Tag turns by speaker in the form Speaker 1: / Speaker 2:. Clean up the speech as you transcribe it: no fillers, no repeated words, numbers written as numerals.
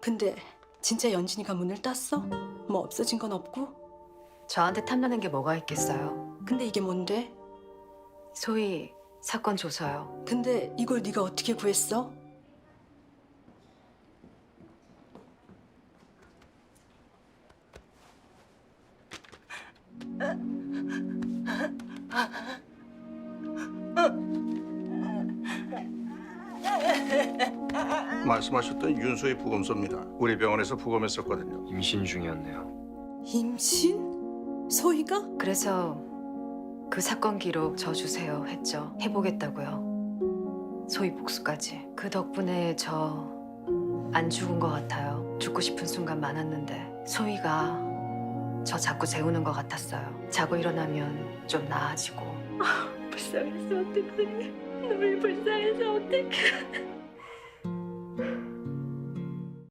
Speaker 1: 근데 진짜 연진이가 문을 땄어? 뭐 없어진 건 없고?
Speaker 2: 저한테 탐나는 게 뭐가 있겠어요?
Speaker 1: 근데 이게 뭔데?
Speaker 2: 소위 사건 조서요.
Speaker 1: 근데 이걸 네가 어떻게 구했어?
Speaker 3: 말씀하셨던 윤소희 부검소입니다. 우리 병원에서 부검했었거든요.
Speaker 4: 임신 중이었네요.
Speaker 1: 임신? 소희가?
Speaker 2: 그래서 그 사건 기록 저 주세요 했죠. 해보겠다고요. 소위 복수까지. 그 덕분에 저 안 죽은 것 같아요. 죽고 싶은 순간 많았는데 소희가 저 자꾸 재우는 것 같았어요. 자고 일어나면 좀 나아지고.
Speaker 1: 불쌍해서 어떡해. 너를 불쌍해서 어떡해.